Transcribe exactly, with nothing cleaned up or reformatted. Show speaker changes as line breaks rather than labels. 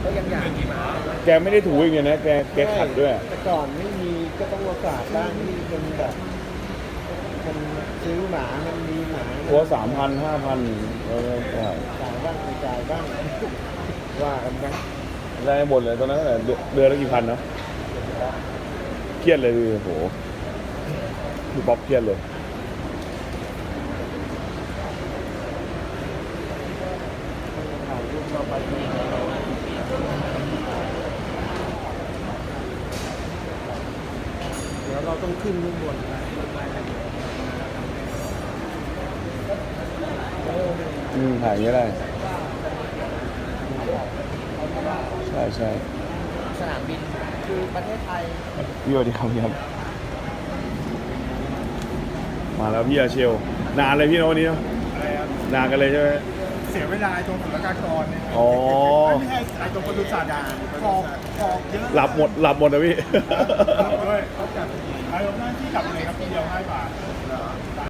ก็ยังอยากมีหมา
แกไม่ได้ถูอย่างเงี้ยนะแกแกขัดด้วย
แต่ก่อนไม่มีก็ต้องมาฝากบ้างที่เป็นแบบมันซื้อหมามันมีหมา
ตัวสามพันห้าพันแล้วก็จ่าย
จ่ายบ้างไม่จ่ายบ้างว่ากันไป
ได้หมดเลยตอนนั้นแต่เดือนเดือนละกี่พันเนาะเครียดเลยโอ้โหพี่ป๊อปเครียดเลย
ถ่ายรูปเราไปดูเดี๋ยวเราต้องขึ้นข้างบน
อืมถ่ายอย่างเงี้ยได้ ใช่ใช่
สนามบินคือประเทศไทย
พี่สวัสดีครับพี่ครับ มาแล้วพี่อาเชล นานเลยพี่นะวันนี้เนาะ
อะไรครับ
นานกันเลยใช่ไหม
เสียเวลาตรงศุลกากรเนี่ย
อ๋อ
ไม่ใช่ไอ้ตรงปศุสัตว์อ่ะฟอกฟอกเยอะ
หลับหมดหลับหมดนะพี่
ด้วยเขาจัดไอ้ผมนั่งที่กลับเลยครับทีเดียวห้าบาท